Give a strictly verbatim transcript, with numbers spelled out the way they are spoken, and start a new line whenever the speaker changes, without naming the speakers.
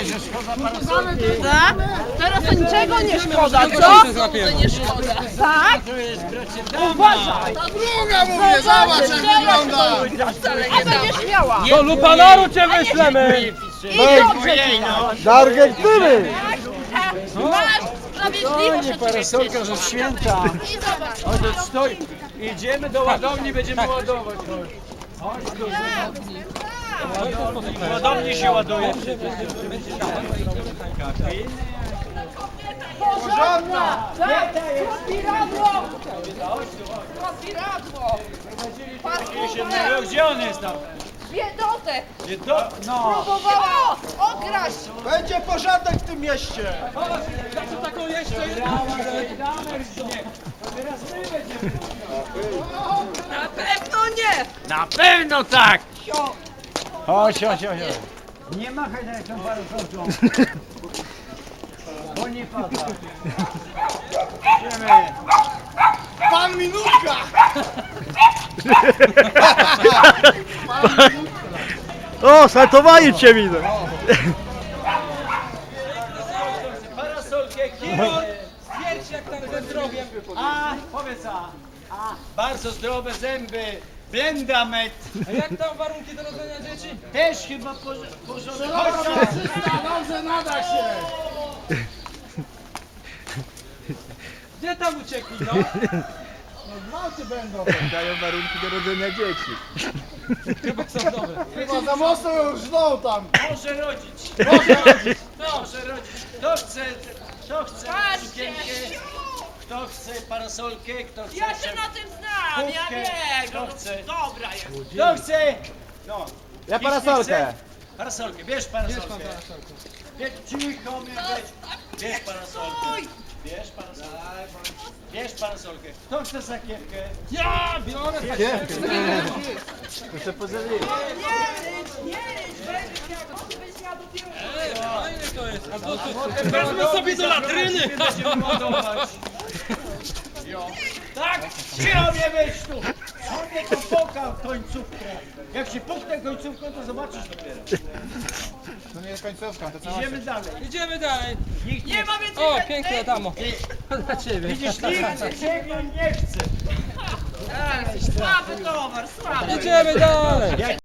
że szkoda parasolki.
Tak? Teraz to niczego nie szkoda, co? Nie szkoda. Tak? Uważaj!
Ta druga mówię, zobacz jak wygląda!
A będziesz miała.
Do Lupanaru cię wyślemy!
I dobrze ci da.
Do Argentyny!
Masz sprawiedliwość oczywiście.
Parasolka, że święta.
I zobacz.
Chodź, stoi. Idziemy do ładowni, będziemy ładować. Chodź. Chodź do ładowni. Ładowni się ładuje.
Porządna! Tak! Rozpiradło! Rozpiradło! Parkowe!
Gdzie on jest tam?
Biedotę!
Gdzie to? No.
Próbowała okraść!
Będzie porządek w tym mieście!
Taką jeszcze
Na pewno nie!
Na pewno tak! Chodź, chodź, chodź. Nie machaj na tą parasolką. Bo nie pada. Idziemy.
Pan Minutka!
O, saltowanie cię widzę.
Parasolkę, kibol.
Stwierdź jak tam ze zdrowiem.
A, powiedz a. A, bardzo zdrowe zęby. Blendamet.
A jak tam warunki do rodzenia dzieci?
Też chyba porządek. Chodź, chodź.
Dobrze nada się!
Gdzie tam uciekli, no?
Gwałty będą!
Dają warunki do rodzenia dzieci.
Chyba są dobre.
Chyba za mocno już żną tam!
Może rodzić.
Może rodzić!
Może rodzić. Kto chce, kto chce
Patrzcie.
sukienkę, kto chce parasolkę, kto chce...
Ja się na tym znam, ja
kubkę,
wiem!
Kto chce...
Dobra jest!
Kto chce... No.
Ja
Nikt nie
parasolkę.
chce? Parasolkę, bierz parasolkę. Bierz cicho mnie weź. Bierz parasolkę. Bierz parasolkę. Bierz parasolkę. Kto chce sakiewkę?
Ja biorę
Muszę pożegnać.
Fajne to jest. A to, to, wezmę sobie do latryny.
Będziemy ładować. Jo. Tak? Cicho mnie weź tu. Sobie to pokał końcówkę. Jak się puknę końcówką, to zobaczysz dopiero.
To nie jest końcówka, to cała
Idziemy dalej.
Idziemy dalej.
Nikt nie
Nie ma więcej
O,
chętnych.
pięknie damo. Dla ciebie.
Widzisz, nikt ciebie nie chce.
Słaby towar, słaby!
Idziemy dalej.
Jak